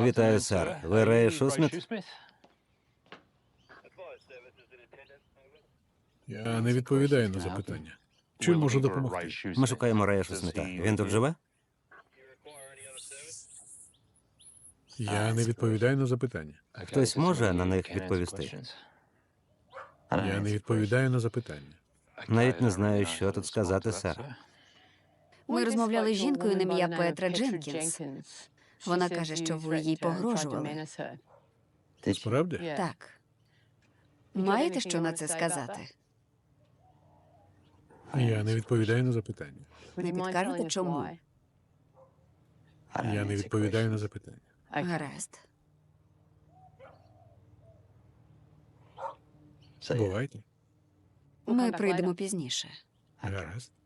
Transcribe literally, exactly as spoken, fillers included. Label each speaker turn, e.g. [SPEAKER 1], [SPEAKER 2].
[SPEAKER 1] Вітаю, сер. Ви Рей Шусміт?
[SPEAKER 2] Я не відповідаю на запитання. Чим можу допомогти?
[SPEAKER 1] Ми шукаємо Рея Шусміта. Він тут живе?
[SPEAKER 2] Я не відповідаю на запитання.
[SPEAKER 1] Хтось може на них відповісти?
[SPEAKER 2] Я не відповідаю на запитання.
[SPEAKER 1] Навіть не знаю, що тут сказати, сер.
[SPEAKER 3] Ми розмовляли з жінкою на ім'я Петра Дженкінс. Вона каже, що ви їй погрожували.
[SPEAKER 2] Справді?
[SPEAKER 3] Так. Маєте що на це сказати?
[SPEAKER 2] Я не відповідаю на запитання.
[SPEAKER 3] Не підкажете, чому?
[SPEAKER 2] Я не відповідаю на запитання.
[SPEAKER 3] Гаразд.
[SPEAKER 2] Бувайте.
[SPEAKER 3] Ми прийдемо пізніше.
[SPEAKER 2] Гаразд.